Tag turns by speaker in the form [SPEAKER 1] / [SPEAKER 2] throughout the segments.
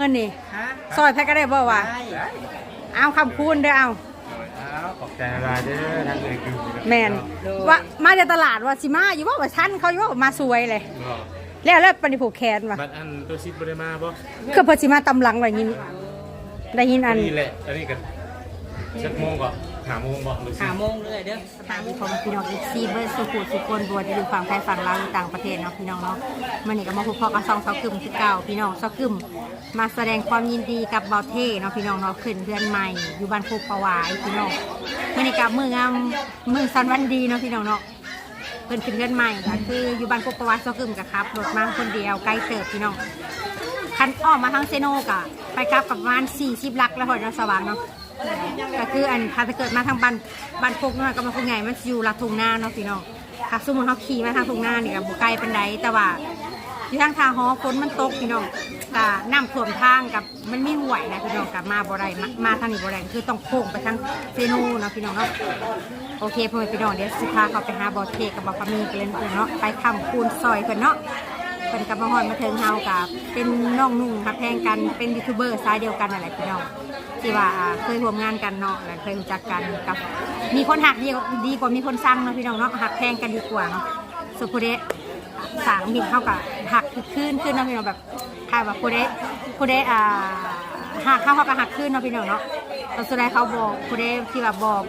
[SPEAKER 1] นนี่ซอยแพ็กก็ได้บ่วะเอาคำคูณเด้อเอา
[SPEAKER 2] ขอบใจอะไรเด้อทางเลยคือ
[SPEAKER 1] แมนว่ามาจากตลาดว่าสิมาอยู่ว่าชั้นเขาอยู่ว่ามาสวยเลยแล้วปฏิผูกแขนว่ะ
[SPEAKER 2] บัดอันตัวซิดบริมาบ่
[SPEAKER 1] คือพอสิมาตำหลังอะไรยินได้ยินอัน
[SPEAKER 2] นี่แหละอันนี้กันสักโมงก่อน5 โมงบ่หรือ
[SPEAKER 3] 5 โมงเลยเด้อ
[SPEAKER 1] สบายดีของพี่น้องอีกซีเบอร์สุขุสุคนบัวที่อยู่ฝั่งไทยฝั่งลาวต่างประเทศเนาะพี่น้องเนาะมันนี่ก็มาพบพ่อกับซองเซากึ่มคือเก่าพี่น้องเซากึ่มมาแสดงความยินดีกับเบาเท่เนาะพี่น้องเนาะขึ้นเพื่อนใหม่อยู่บ้านโคกประวายพี่น้องมันนี่กับมืองามมือสันวันดีเนาะพี่น้องเนาะเพิ่นขึ้นเพื่อนใหม่ก็คืออยู่บ้านโคกประวายเซากึ่มกับครับรถมาคนเดียวไกลเติบพี่น้องคันอ้อมมาทางเซโนกะไปครับกับประมาณ40 ลักแล้วหอยนสว่างเนาะก็คืออันพาไปเกิดมาทางบ้านโคกน้อยก็มาโคกใหญ่มันอยู่ลัดทุ่งนาเนาะพี่น้องถ้าสมมุติเขาขี่มาทางทุ่งนานี่ก็บ่ไกลปานใดแต่ว่าอยู่ทางทางหอฝนมันตกพี่น้องก็น้ำท่วมทางกับมันมีห่วยนะพี่น้องกับมาบ่ได้มาทางนี้บ่ได้คือต้องโค้งไปทางเซโนเนาะพี่น้องเนาะโอเคพ่อแม่พี่น้องเดี๋ยวสิพาเขาไปหาบ่อเทกับบ่อปลามีกันเลยเนาะไปคำคูณซอยเพิ่นเนาะเป็นกับมาฮอดมาเทิงเฮากับเป็นน้องนุ่งครับแพงกันเป็นยูทูบเบอร์สายเดียวกันอะไรพี่น้องที่ว่าเคยร่วมงานกันเนาะและเคยรู้จักกันกับมีคนหักดีกว่ามีคนสั่งเนาะพี่น้องเนาะหักแพงกันดีกว่าเนาะสุดผู้ใดสางมินเข้ากับหักขึ้นเนาะพี่น้องแบบถ้าแบบผู้ใดหักเข้ากับหักขึ้นเนาะพี่น้องเนาะตอนสุดท้ายเขาบอกผู้ใดที่แบบบอก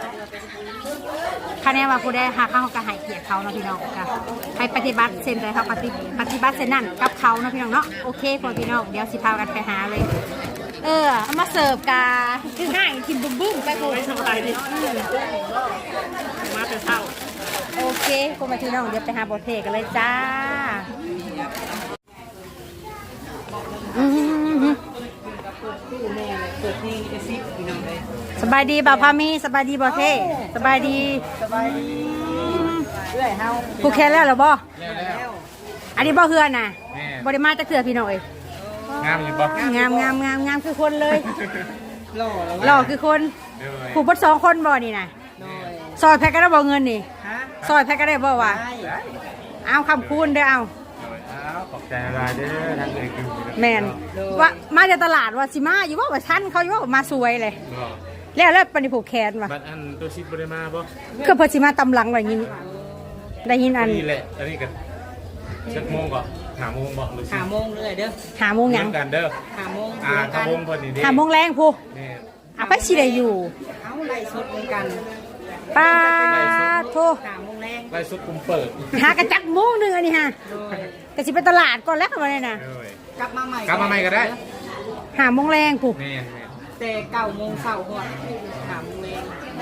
[SPEAKER 1] คะแนนว่าผู้ได้หาเข้ากับหายเกียรติเขาเนาะพี่น้องค่ะให้ปฏิบัติเส้นใจเขาปฏิบัติเส้นนั่นกับเขาเนาะพี่น้องเนาะโอเคพอพี่น้องเดี๋ยวสิพากันไปหาเลยเอามาเสิร์ฟกาคือง่ายกินบึ้มไปโอ้ยสบายดิมาเป็นเท่าโอเคพอมาพี่น้องเดี๋ยวไปหาบทเพลงกันเลยจ้าสบายดีบ่าวพามีสบายดีบ่าวเท่สบายดี
[SPEAKER 3] เรื่อยเฮา
[SPEAKER 1] ผูกแขนแล้วเหรอบ่อันนี้บ่เฮือนน่ะบ่ได้มาจากเถื่อพี่น้องเอ้ย
[SPEAKER 2] งามอยู่บ่
[SPEAKER 1] งามคือคนเลยหล่อคือคนผูกบด2 คนบ่นี่น่ะซอยแพ็กก็ได้บ่เงินนี่ซอยแพ็กก็ได้บ่วะเอาคำคูณเด้อเอา
[SPEAKER 2] ขอบใจอะไรเด้อทางเลยคือ
[SPEAKER 1] แมนว่ามาจากตลาดว่าสิมาอยู่ว่าชั้นเขาอยู่ว่ามาสวยเลยแล้วปฏิผูกแขนว่ะ
[SPEAKER 2] บัดอันตัวซิดบริมาบ่
[SPEAKER 1] คือพอสิมาตำหลังอะไรยินได้ยินอัน
[SPEAKER 2] นี่แหละอันนี้กันสักโมงก่อน5 โมงบ่หรือ
[SPEAKER 3] 5 โมงเลยเด้อ
[SPEAKER 1] 5 โมงยัง
[SPEAKER 2] กันเด้อ
[SPEAKER 3] 5 โมง
[SPEAKER 2] 5 โมงพอดี
[SPEAKER 1] 5 โมงแรงพูไปสิได้อยู่
[SPEAKER 3] เอาไล่สดเหมือนกัน
[SPEAKER 1] ป้าโท
[SPEAKER 3] 5 โมงแรง
[SPEAKER 2] ไล่สดกุมเปิด
[SPEAKER 1] หากระจักโมงนึงอันนี้ฮะแต่สิไปตลาดก่อนแล้วมาเลยนะ
[SPEAKER 3] กลับมาใหม่
[SPEAKER 2] ก็ได้
[SPEAKER 1] 5 โมงแรงพู
[SPEAKER 3] แต่9 โมงเช้าหอด5 โมงแรง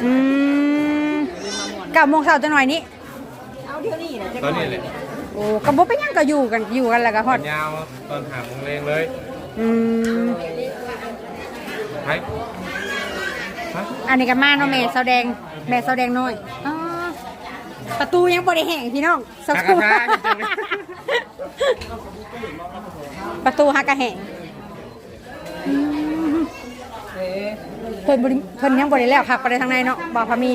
[SPEAKER 1] 9 โมงเช้าจะหน่อยนี้
[SPEAKER 3] เอาเดี๋ยวนี้นะ
[SPEAKER 2] ตอนนี้เลย
[SPEAKER 1] โอ้กระบอกไปยังก็อยู่กันแล้วก็ฮอด
[SPEAKER 2] ยาวตอน5 โมงแรงเลย
[SPEAKER 1] อันนี้ก็มาเนาะแม่แสดงน้อยประตูยังบ่ได้แห้งพี่น้องสักครู่ประตูฮักกะแห้งเพิ่นยังบ่ได้แล้วขับไปทางในเนาะบ่พามี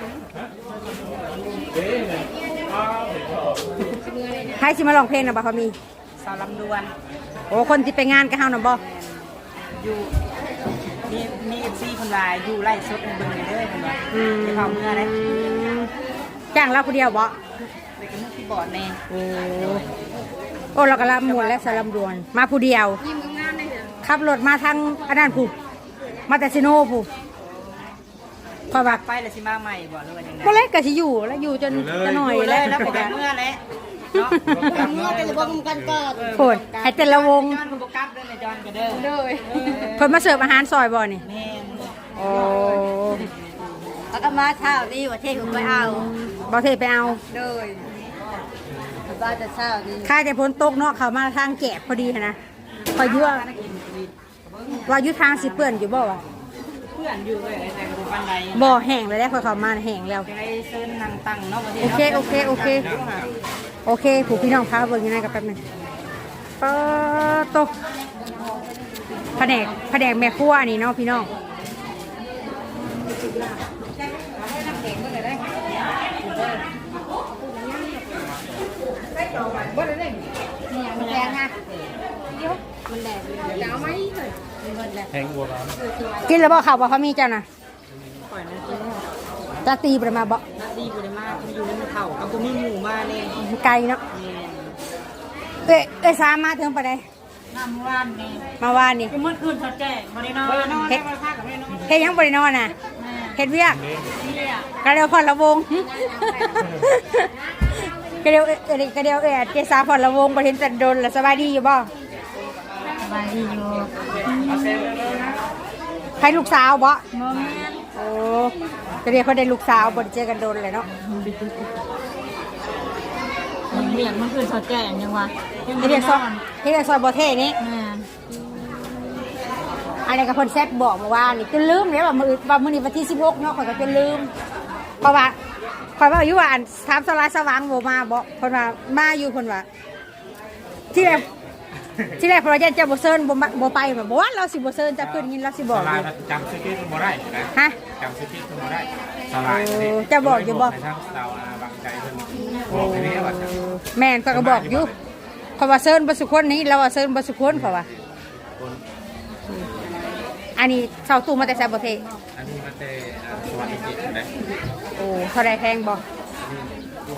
[SPEAKER 1] ใครสิมาร้องเพลงน่ะบ่พามี
[SPEAKER 3] สาวลำดวน
[SPEAKER 1] โอ้คนที่ไปงานกับเฮาน่ะบ่
[SPEAKER 3] อยู่มีFCคนว่าอยู่ไล่สดเบิ่งเด้อเพิ่นว่าสิเข้าเมื่อเด้
[SPEAKER 1] จ้างเราผู้เดียวบ่
[SPEAKER 3] ไปกับมือที่บอดแน่
[SPEAKER 1] โอ้เราก็ลำมวนและสลำดวนมาผู้เดียวขับรถมาทางอันนั้นผู้มาแต่ซิโนผู้พอบัก
[SPEAKER 3] ไปแล้วสิมาใหม่บ่หรือว่าจังได๋
[SPEAKER 1] บ่เล็กก็สิอยู่แล้วอยู่จนจะหน่อย
[SPEAKER 3] แล้วไปกับเมื่อแล้วเนาะเมื่อเป็นวงกันก่อน
[SPEAKER 1] โพดให้แต่ละวง
[SPEAKER 3] จอนบ่กลับเด้อจอนก็เด้อ
[SPEAKER 1] เพิ่นมาเสิร์ฟอาหารซอยบ่นี่
[SPEAKER 3] แม่น
[SPEAKER 1] โอ้
[SPEAKER 3] แล้วก็มาเช้านี้ว่าเท่ผมไปเอา
[SPEAKER 1] บ่เทไปเอา
[SPEAKER 3] เลยบ้านจะเช้านี้
[SPEAKER 1] ค่าแต่พ้นตกเนาะเขามาทางแกะพอดีนะพอยั่วว่ายุทางสิเปื่อนอยู่บ่วะ
[SPEAKER 3] เพื่อนอยู่เลยแต่ดูบันได
[SPEAKER 1] บ่แห้งเลยแล้วพอเขามาแห้งแล้ว
[SPEAKER 3] ได้เส้นนางตั้งเนาะ
[SPEAKER 1] โอเคผู้พี่น้องพาเบิ่งยังไงกับแป๊บนึงโตแผนกแม่ครัวนี่เนาะพี่น้องมันแดงนะมันแดงจะเอาไหม
[SPEAKER 2] แห้งบัวร้อน
[SPEAKER 1] กินแล้วบ่ข้าวบ่เขามีเจ้าน่ะ
[SPEAKER 3] ปล่อยนะกินแล้ว
[SPEAKER 1] จะตีบ่ได้มาบ่
[SPEAKER 3] นาดีบ่ได้มากมันอยู่ในเท่าเอาบ่มีหมูมาแน่
[SPEAKER 1] ไกลเนาะเอ้ยสามมาถึงปานใด
[SPEAKER 3] น้ำว่านนี่
[SPEAKER 1] มาวานนี่
[SPEAKER 3] เมื่อคืนเขาแจ้งบ่ได้นอนเฮ็ดบ่ได้พักกับไม่นอน
[SPEAKER 1] เฮ็ดหยังบ่ได้นอนน่ะเฮ็ดเวียก
[SPEAKER 3] เนี่ย
[SPEAKER 1] ก็เดี๋ยวพอละวงก็เดี๋ยวเจสาพอละวงบ่เห็นแต่โดนแล้วสบายดีอยู่บ่
[SPEAKER 3] สบายดีอยู่
[SPEAKER 1] ใครลูกสาวบ่
[SPEAKER 3] บ่แม่น
[SPEAKER 1] โอ้ก็เดี๋ยวเขาได้ลูกสาวบ่ได้เจอกันโดนเลยเนาะ
[SPEAKER 3] เรียกเมื่อคืนเขาแจ้งยังวะ
[SPEAKER 1] เฮ็ดเรียกซอยบ่เท่นี้
[SPEAKER 3] แม่น
[SPEAKER 1] อันนี้ก็เพิ่นแซ่บบอกเมื่อวานนี่จนลืมเลยว่ามื้อนี้วันที่16เนาะข่อยก็จนลืมเพราะว่าข่อยว่าอยู่ว่าอันถามสลายสว่างบ่มาบ่เพิ่นว่ามาอยู่เพิ่นว่าที่แรกเพราะว่าเจ้าบ่เซิร์นบ่ไปบ่ว่าเราสิบ่เซิร์นจะขึ้นยินเราสิบอก
[SPEAKER 2] สลายจำสคริปต์บ่ได้นะ
[SPEAKER 1] ฮะ
[SPEAKER 2] จำสคริปต์บ่ได้สลาย
[SPEAKER 1] จะบอกอยู่บ่
[SPEAKER 2] ให้ทางเราบางใจเพิ่นบอกให้นี่ว่า
[SPEAKER 1] แม่นก็บอกอยู่เพราะว่าเซิร์นบ่สุคนนี้เราว่าเซิร์นบ่สุคนเพราะว่าอันนี้เสาตู้มาแต่แซ่บ่เท
[SPEAKER 2] อันนี้มันแต่สวัสดิจิตนะ
[SPEAKER 1] โอ้เท่าใดแพงบ่
[SPEAKER 2] ตัว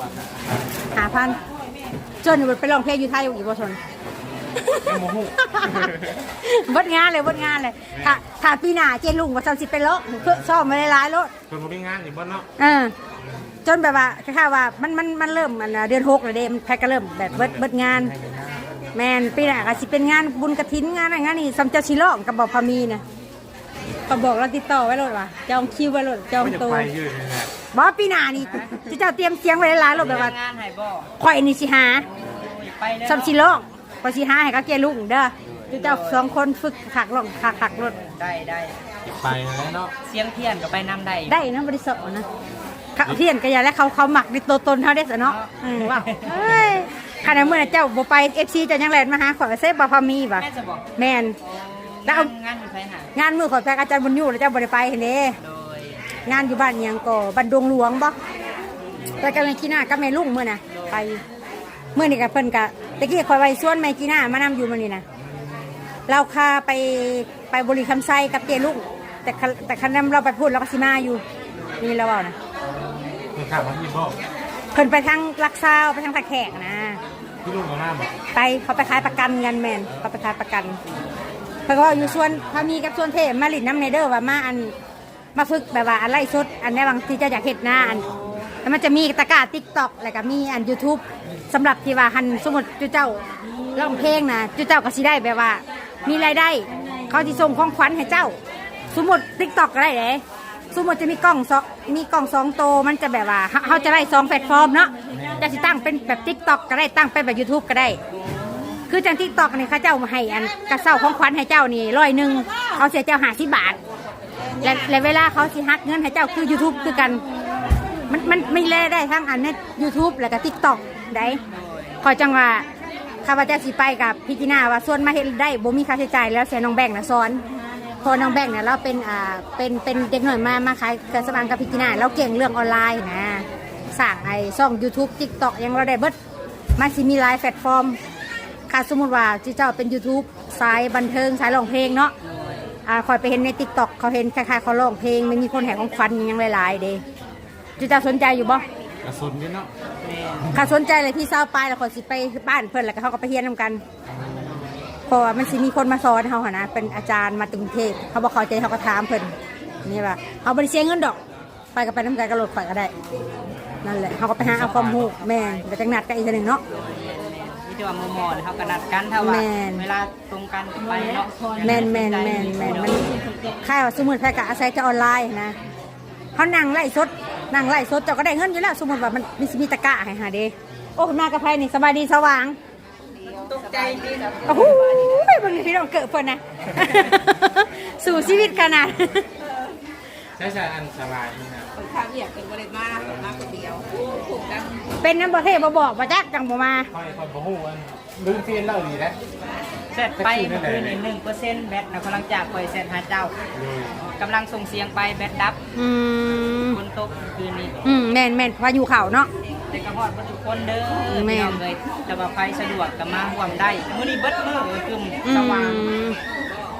[SPEAKER 1] 5,000จนอยู่ไปร้องเพลงอยู่ไทยอีกบ่ทน
[SPEAKER 2] โมโห
[SPEAKER 1] เบิดงานเลยถ้าปีหน้าเจลุงว่าซ้ำสิเป็นโลกคือซ่อมมาหลายๆโลด
[SPEAKER 2] คนบ่มีงานอยู่บ่เนาะ
[SPEAKER 1] จนแบบว่าคล้ายๆว่ามันเริ่มเดือน6แล้วเด้มันแพ็กก็เริ่มแบบเบิดงาน แม่นปีหน้าก็สิเป็นงานบุญกฐินงานอะไรงานนี่ซ้ำเจ้าสิร้องกับบ่พามีนะก็บอกเราติดต่อไว้โลดว่าจองคิวไว้โลดจอง
[SPEAKER 2] ไม่จะ
[SPEAKER 1] โตว
[SPEAKER 2] ไปยืดนี่แหละ
[SPEAKER 1] บ่ปีหน้านี่เจ้าเตรียมเสียงไว้หลายๆโลดแบบว่า
[SPEAKER 3] งานให้บ่
[SPEAKER 1] ข่อยนี่สิหา
[SPEAKER 3] ไปเลย
[SPEAKER 1] ซ้ำสิร้องก็สิหาให้กับเจลุงเด้อเจ้าสองคนฝึกขักร้องขักรถ
[SPEAKER 3] ได้
[SPEAKER 2] ไปแล้วเนาะ
[SPEAKER 3] เสียงเทียนก็ไปนำได้
[SPEAKER 1] ได้นะบริสุทธิ์นะเขาเทียนก็อย่าแล้วเขาหมักในตัวตนเขาได้สะเนาะว้าวเฮ้ยขณะเมื่อเจ้าบ่ไปFC จะยังแลนมาหาข่อยเซฟบ่พามีบ่
[SPEAKER 3] แม่จะบอก
[SPEAKER 1] แม่นแล้วเอา
[SPEAKER 3] งานอยู่ไผหาง
[SPEAKER 1] านมือข่อยแฟกอาจารย์บุญอยู่แล้วเจ้าบ่ได้ไปเห็นเด้
[SPEAKER 3] โดย
[SPEAKER 1] งานอยู่บ้านอิหยังก็บ้านดงหลวงบ่ไปกับแม่กีน่ากับแม่ลุงมื้อน่ะไปมื้อนี้ก็เพิ่นก็ตะกี้ข่อยไว้ส่วนแม่กีน่ามานำอยู่มื้อนี้น่ะเราคาไปบริคำไซกับเจลุงแต่คันนำเราไปพูดเราก็สิมาอยู่นี่เราเว้านะ
[SPEAKER 2] คือถามว่าพี่บอก
[SPEAKER 1] เพิ่นไปทางลักซาวไปทางตะแขกนะ
[SPEAKER 2] พี่ลุงกับหน้าบอก
[SPEAKER 1] ไปเขาไปขายประกันกันแมนเขาไปขายประกันเพิ่นก็ว่าอยู่ส่วนพามีกับส่วนเทพมาลิดน้ำเนเดอร์ว่ามาฝึกแบบว่าอะไรสดอันนี้บางที่เจ้าอยากเห็ดหน้าอันแล้วมันจะมีตะกร้า TikTok แล้วก็มีอัน YouTube สำหรับที่ว่าหันสมมุติเจ้าร้องเพลงนะเจ้าก็สิได้แบบว่า มีรายได้ เขาสิส่งของขวัญให้เจ้า สมมุติ TikTok ก็ได้เด้สมมติจะมีกล้องสองโตวมันจะแบบว่าเขาจะได้2แพลตฟอร์มเนาะจะสิตั้งเป็นแบบ TikTok ก็ได้ตั้งเป็นแบบ YouTube ก็ได้ คือจัง TikTok นี่เขาเจ้าให้อันกระเซ้าของขวัญให้เจ้านี่100เขาเสียเจ้า50 บาทและเวลาเขาสิหักเงินให้เจ้าคือ YouTube คือกันมันไม่แลได้ทั้งอันใน YouTube แล้วก็ TikTok ได้ขอจังว่าข้าพเจ้าสิไปกับพี่จีน่าว่าส่วนมาเฮ็ดได้บ่มีค่าใช้จ่ายแล้วเสียน้องแบงค์นะสอนพอน้องแบงค์เนี่ยเราเป็นเด็กหน่อยมาขายเครื่องสำอางกับพี่จีน่าเราเก่งเรื่องออนไลน์นะสร้างไอ้ช่อง YouTube TikTok ยังเราได้เบิดมันสิมีหลายแพลตฟอร์มค่ะสมมุติว่าเจ้าเป็น YouTube สายบันเทิงสายร้องเพลงเนาะคอยไปเห็นใน TikTok เขาเห็นคล้ายๆเขาร้องเพลงมันมีคนแห่ของฟันยังหลายๆเด้เจ้าสนใจอยู่บ่
[SPEAKER 2] กระสุนนี่เนาะ
[SPEAKER 1] ข้าสนใจเลยที่เศร้าไปแล้วคนสิไปบ้านเพื่อนแล้วก็เขาก็ไปเฮียนนำกันเพราะว่ามันสิมีคนมาสอนเขาหนะเป็นอาจารย์มาตึงเทพเขาบอกเขาใจเขาก็ถามเพื่อนนี่ว่าเขาบริเสียเงินดอกไปกับไปน้ำกันกระโดดไปก็ได้นั่นแหละเขาก็ไปหาเอาความรู้แม่ไปจังหนัดกันอีกทีหนึ่งเนาะ
[SPEAKER 3] นี่จะว่าโมๆเลยเขากระนัดกันถ้าว่าเวลาตรงกันไปเนาะ
[SPEAKER 1] แมนมันค่ายว่าสมมติแพร่กะอาศัยจะออนไลน์นะเขานั่งไล่สดเจ้าก็ได้เงินอยู่แล้วสมมติว่ามันมีตะกะให้หาเด้โอ้มากับไพ่นี่สบายดีสว่าง
[SPEAKER 3] ตกใจดีนะ
[SPEAKER 1] โอ้โหบางทีพี่น้องเกิดเพิ่นนะ สู่ชีวิตขนาด
[SPEAKER 2] ใช่ใช่อันสบายนี่นะ
[SPEAKER 3] ข้าวเอียกเป็นบริมาคนเดียวถูกกัน
[SPEAKER 1] เป็นน้ำประเทศมาบอกมาจักจังบ่มา
[SPEAKER 2] ค่อยคนบ่ฮู้อันลืมเทียนเล่าดีนะ
[SPEAKER 3] เสร็จไปเมื่อคืนนี่1%แบตนะกำลังจากปล่อยเสร็จหาเจ้ากำลังส่งเสียงไปแบตดับคนตกคืนนี้
[SPEAKER 1] แม่นพายุเข่าเนาะ
[SPEAKER 3] แต่กระหอดทุกคนเด้อพี่น้องเลยแต่ว่าไฟสะดวกกับมาห่วมได้มื้อนี้เบิดมื้อกึ่มสว่าง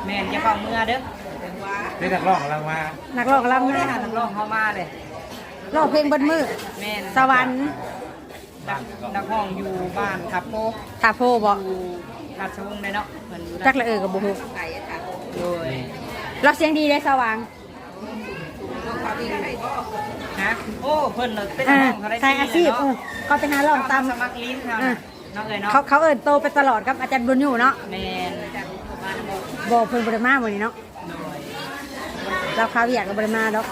[SPEAKER 3] แม่นจะเข้าเมื่อเด้อ
[SPEAKER 2] ได้นักร้องกำลังมา
[SPEAKER 1] นักร้องรำ
[SPEAKER 3] ไม่
[SPEAKER 1] นะ
[SPEAKER 3] ได้หานักร้องเข้ามาเลย
[SPEAKER 1] ร้องเพลงเบนมือ
[SPEAKER 3] แม่น
[SPEAKER 1] สวรรค์
[SPEAKER 3] นักร้องอยู่บ้านทับโพ
[SPEAKER 1] ทาโพบอก
[SPEAKER 3] อยู่ราชวงศ์เลยเนาะเพิ่นอยู่
[SPEAKER 1] จักละกับบุหุ
[SPEAKER 3] โดย
[SPEAKER 1] เราเสียงดีเลยสว่าง
[SPEAKER 3] ฮะโอ้เพิ่นน่ะเป็น
[SPEAKER 1] อ่า
[SPEAKER 3] น้องเขาได้
[SPEAKER 1] ใช่อาชีพเขาไปหาร้องตาม
[SPEAKER 3] สมัครลิ้นเขา
[SPEAKER 1] อ่า
[SPEAKER 3] น่ะน้องเอ๋ยเนาะ
[SPEAKER 1] เขาเอิญโตไปตลอดกับอาจารย์บุญอยู่เนาะ
[SPEAKER 3] แม่น
[SPEAKER 1] บอกเพิ่นบริมาวันนี้เนาะเราเขาอยากกับบริมาดอก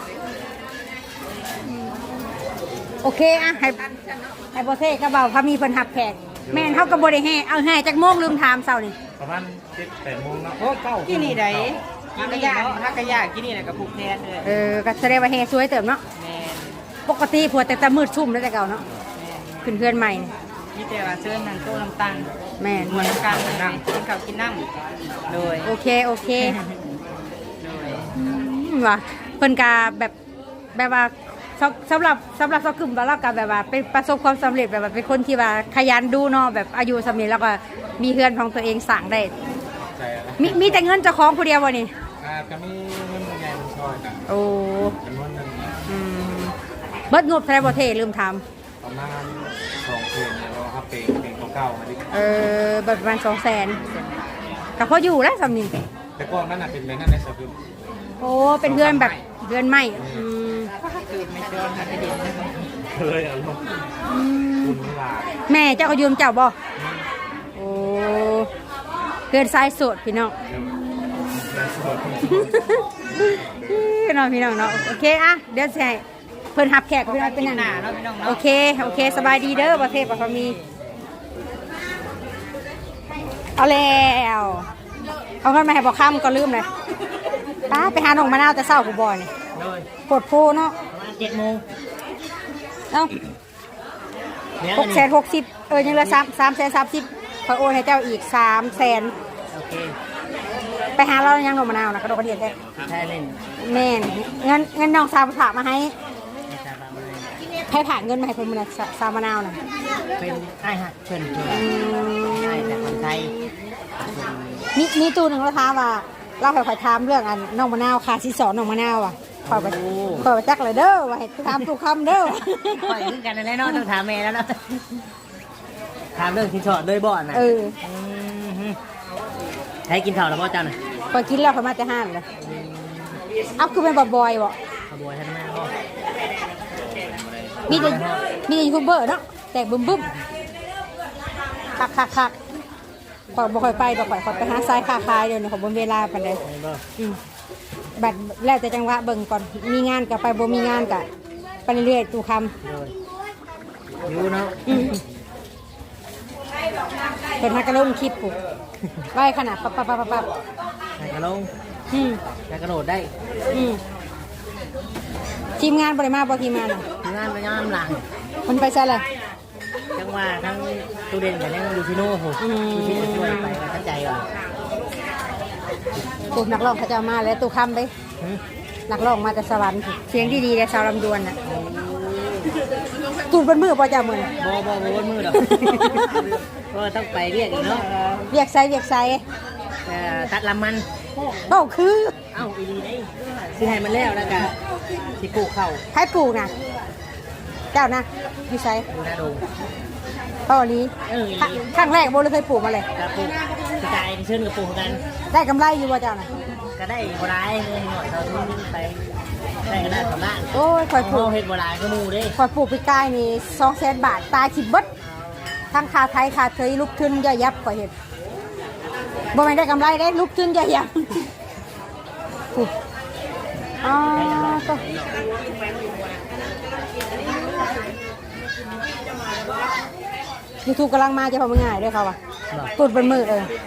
[SPEAKER 1] โอเคอะให้โบเซ่ก็เบาพามีเพิ่นหับแขกแม่นเขากับบริแห่เอาแห่จากโมงลืมถามเสาร์นี่
[SPEAKER 2] ประมาณ7-8 โมงเนาะ
[SPEAKER 3] โอ้เก้ากินนี่ได้กินนี่เนาะฮักกะยากินนี่แหละกับผูกแทนเลย
[SPEAKER 1] ก็แสดงว่าแห่สวยเติมเนาะ
[SPEAKER 3] แม่น
[SPEAKER 1] ปกติผัวแต่มืดชุ่มแล้วแต่เก่าเนาะ
[SPEAKER 3] แม่น
[SPEAKER 1] ขึ้นเพื่อนใหม่นี่
[SPEAKER 3] มีแต่ว่าเชิญนั่งโต๊ะน้ำตาล
[SPEAKER 1] แม่น
[SPEAKER 3] เหมือนกันเลยกินข้าวกินน้ำโดย
[SPEAKER 1] โอเคโอเค
[SPEAKER 3] โดย
[SPEAKER 1] ว่ะเพิ่นกาแบบว่าสำหรับซอกกึ่มว่าเราก็แบบว่าเป็นประสบความสำเร็จแบบว่าเป็นคนที่ว่าขยันดูเนาะแบบอายุสำเร็จแล้วก็มีเฮือนของตัวเองสั่งได้
[SPEAKER 2] ใช่แล้ว
[SPEAKER 1] มีแต่เงินเจ้าของผู้เดียววะนี่
[SPEAKER 2] ก็มีเงินใหญ่มันช่วยกัน
[SPEAKER 1] โอ้
[SPEAKER 2] จำนวนหนึง
[SPEAKER 1] อืมเบิดงบไทยบ่เทลืมถาม
[SPEAKER 2] ประมาณ2 เพลงแล้วก็ครับเพลงเก่าๆมาดิ
[SPEAKER 1] เบิดประมาณ200,000ก็พออยู่แล้วสำนิน
[SPEAKER 2] แต่ก่อนนั้นน่ะเป็นแบบนั้นในสกุล
[SPEAKER 1] โอ้เป็นเฮือนแบบเฮือนใหม่
[SPEAKER 3] คือไม่ชอนฮักกะเด่นนะครับ
[SPEAKER 2] เลยอารมณ์คุณเวลา
[SPEAKER 1] แม่เจ้าก็ยืมเจ้าบ่โอ้เฮือนทรายสดพี่น้อง พี่น้องพี่น้องเนาะโอเคอะเดี๋ยวจะให้เพิ่นหับแขกพี่น้องเป็น
[SPEAKER 3] ห
[SPEAKER 1] นั่น
[SPEAKER 3] น้าเนาะพี่น้อง
[SPEAKER 1] โอ
[SPEAKER 3] เนาะ
[SPEAKER 1] เคโอเคสบายดีเด้อประเทศปะพมีเอาแล้วเอาเงินมาให้บอกข้ามก็ลืมเลยไปหาหนองมะนาวแต่เศร้าผู้บอยนี่
[SPEAKER 3] โดย
[SPEAKER 1] ปวดโพเนาะ
[SPEAKER 3] ประมาณ7 โมง
[SPEAKER 1] เอ้า660,000ยังเหลือ330,000ขอโอนให้เจ้าอีก300,000
[SPEAKER 3] โอเค
[SPEAKER 1] ไปหาเรายังหนองมะนาวนะกระโดดกระเดียดได้
[SPEAKER 3] แท้เล่น
[SPEAKER 1] แม่นเงินน้องสาวฝากมาให้
[SPEAKER 3] ไม่ทราบว่ามัน
[SPEAKER 1] ให้ผ่านเงินมาให้เพิ่นมื้อนะสาวมะนาวน่ะ
[SPEAKER 3] เป็นไอ้ฮักเพิ่นเพิ่นไอ้แต่คนไทย
[SPEAKER 1] มีตู้หนึ่งแล้วท้ามว่าเราให้ข่อยถามเรื่องอันน้องมะนาวค่ะที่สอนน้องมะนาวอ่ะข่อยไปจักเลยเด้อว่าให้ถามตู้คำเด้อ
[SPEAKER 3] ปล่อยขึ้นกันแล้วเนาะต้องถามแม่แล้วเนาะถามเรื่องที่ชอดด้วยบ่อนน่ะให้กินข้าวแล้วบ่เจ้าน่ะ
[SPEAKER 1] ข่อยกินแล้วข่อยมาแต่ห้านเลยเอาคือเป็นบ่อยๆบ่
[SPEAKER 3] ขบวนท่านแม่บ่
[SPEAKER 1] มีแต่ยูทูบเบอร์เนาะแตกบึ้มคักข่อยบ่ค่อยไปดอกข่อยไปหาสายค้าขายเดี๋ยวนี้ข่อยบ่มีเวลาปานใด
[SPEAKER 3] ไม่บ่
[SPEAKER 1] บัดแล้วแต่จังหวะเบิ่งก่อนมีงานก็ไปบ่มีงานก็ไปเรื่อยๆตู้คำ
[SPEAKER 3] เลยอยู่เนาะ
[SPEAKER 1] เป็นฮักกระลงคลิปปุ๊บไว้ขนาดปั๊บ
[SPEAKER 3] ไหนกระลง
[SPEAKER 1] อืม
[SPEAKER 3] ไหนกระโดดได้
[SPEAKER 1] อืมทีมงานบริมาบอทีมงานอ่ะ
[SPEAKER 3] งานไปงานหลัง
[SPEAKER 1] มันไปใช่เลย
[SPEAKER 3] จังว่าทั้งตูเด่นกับยังดูชิโน่โหดูชิโน่ช่วยไปกันทั้งใจก่อน
[SPEAKER 1] ตูนักร้องเขาจะเอามาแล้วตูคำไปนักร้องมาแต่สวรรค์เสียงดีๆแต่สาวลำดวนน่ะตูดบนมือพอจะมือ
[SPEAKER 3] บ่วนมือดอกก็ต้องไปเรียกอีกเนาะ
[SPEAKER 1] เวียกไซ
[SPEAKER 3] ตัดลำมัน
[SPEAKER 1] เอ้าคือ
[SPEAKER 3] เอ้าอีดีได้สิให้มันแล้วก็สิปลูกเข้า
[SPEAKER 1] ให้ปลูกนะเจ้านะอยู่ไซ
[SPEAKER 3] ดูหน้าดู
[SPEAKER 1] เป้านี้ครั้งแรกโบเลยเคยปลูกมาเลย
[SPEAKER 3] กระปลูกกระจายเชิญกับปลูกกัน
[SPEAKER 1] ได้กำไรอยู่ว่าเจ้านะ
[SPEAKER 3] ก็ได้โบราณเลยหน่อยเราทุ่มไปได้กันได้ของบ้าน
[SPEAKER 1] โอ้ยคอยปลูก
[SPEAKER 3] เฮ็ดโบราณก็มูเด้
[SPEAKER 1] คอยปลูกปีกายนี่200,000 บาทตายขิบเบิดทั้งคาไทยคาเทยลุกขึ้นย่อยยับคอยเห็นบ่แม่นได้กำไรได้ลุกขึ้นย่อยยับอ๋อก็ยูทูบกำลังมาจะพอมึงง่ายด้วยเขาว่ะตุดบนมือ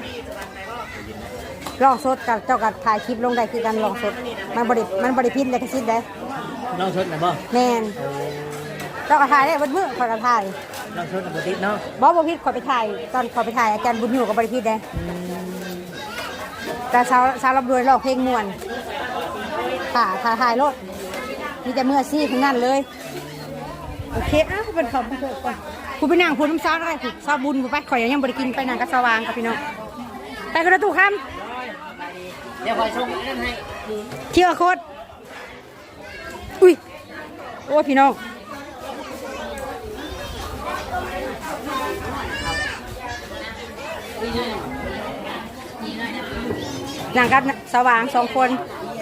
[SPEAKER 1] ลองสดกับเจ้ากับถ่ายคลิปลงได้คือกันลองสดมันบริพิษเลยกระซิบได้
[SPEAKER 3] ลองชดนะบ่
[SPEAKER 1] แมนเจ้าก็ถ่ายได้บนมือคอยก็ถ่าย
[SPEAKER 3] ลองชดนะบ่ติดเนาะ
[SPEAKER 1] บ่พิษคอยไปถ่ายตอนคอยไปถ่ายอาจารย์บุญอยู่กับบริพิษได้แต่สาวรับรวยลองเพลงม่วนถ่ายรถมีแต่เมื่อซี่ทั้งนั้นเลยโอเคเป็นขอบคุณก่อนคุณไปนั่งคุณน้ำซอสอะไรคุณซอสบุญไปข่อยยังบริกินไปนั่งกับสว่างกับพี่น้องไปกระตู้คำ
[SPEAKER 3] เดี๋ยวคอยส่งนั่นให้
[SPEAKER 1] เที่ยวโคตรอุ้ยโอ้พี่น้องนั่งกับสว่าง2 คน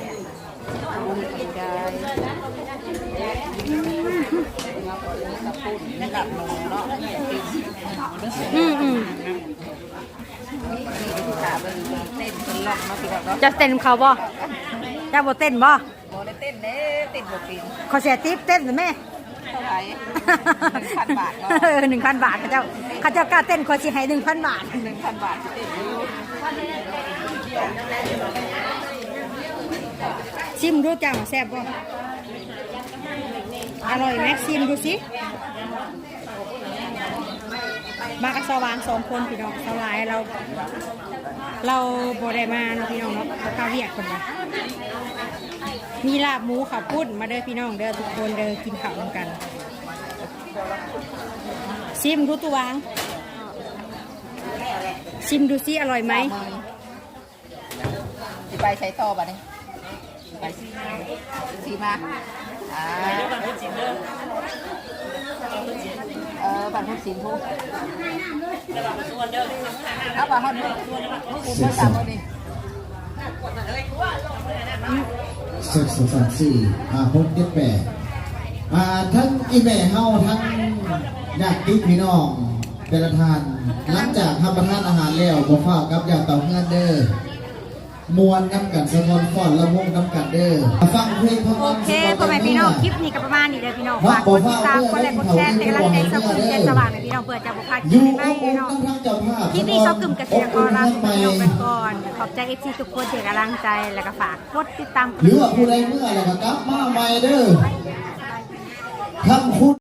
[SPEAKER 1] จะเต้นเขาบ่จะบ่เต้นบ่
[SPEAKER 3] บ่ได้เต้นเด้ติดบ่ปีน
[SPEAKER 1] ขอเสียติ๊บเต้นสิแม่
[SPEAKER 3] เท่าไหร่ 1,000 บาทเนาะ
[SPEAKER 1] 1,000 บาทเขาเจ้ากล้าเต้นขอสิให้ 1,000 บาท
[SPEAKER 3] 1,000 บาทติดอยู่
[SPEAKER 1] ชิมดูจังแซ่บบ่อร่อยไหมชิมดูสิมากับสว่าง2 คนพี่น้องสลายเราบ่ได้มาเนาะพี่น้องเนาะเขาข้าวเรียกคนละมีลาบหมูข้าวปุ้นมาเด้อพี่น้องเด้อทุกคนเด้อกินข้าวร่วมกันชิมดูตัววางชิมดูสิอร่อยไหม
[SPEAKER 3] สิไปใช้ต่อบัดนี้ไปสิมาบันพุทธศิลป์เด้อบันพุทธศิลป์พูเอาไปฮอดพูดภาษาบ่ดิ
[SPEAKER 4] 2 3 4 5 6 7 8ทั้งอีแม่เฮาทั้งญาติพี่น้องแต่ละท่านหลังจากทำประทานอาหารแล้วบ่ฟ้าวกับญาติเต่าเฮือนเด้อมวนน้ำกันสะพอนฟ้อนละวงน้ำกันเด้อฟังเพลงของ
[SPEAKER 1] โอเคพ่อแม่พี่น้องคลิปนี้ก็ประมาณนี้เลยพี่น้องฝากกดติดตามกดไลค์กดแชร์เป็นกำลังใจสกุลเจนสว่างในพี่น้องเพื่อจะบุกพาคลิ
[SPEAKER 4] อยู่
[SPEAKER 1] ป
[SPEAKER 4] อ
[SPEAKER 1] ใหม่
[SPEAKER 4] บ
[SPEAKER 1] ๆ
[SPEAKER 4] อุ่น
[SPEAKER 1] เนาะ
[SPEAKER 4] ทั้งเจ้าภาพ
[SPEAKER 1] คลิปนี้ซอกกึ่มเกษตรกรลาไปก่อนขอบใจเอฟซีทุกคนที่กำลังใจแล้วก็ฝากกดติดตาม
[SPEAKER 4] หรือว่าผู้ใดเมื่อแล้วก็กลับมาใหม่เด้อทำคุณ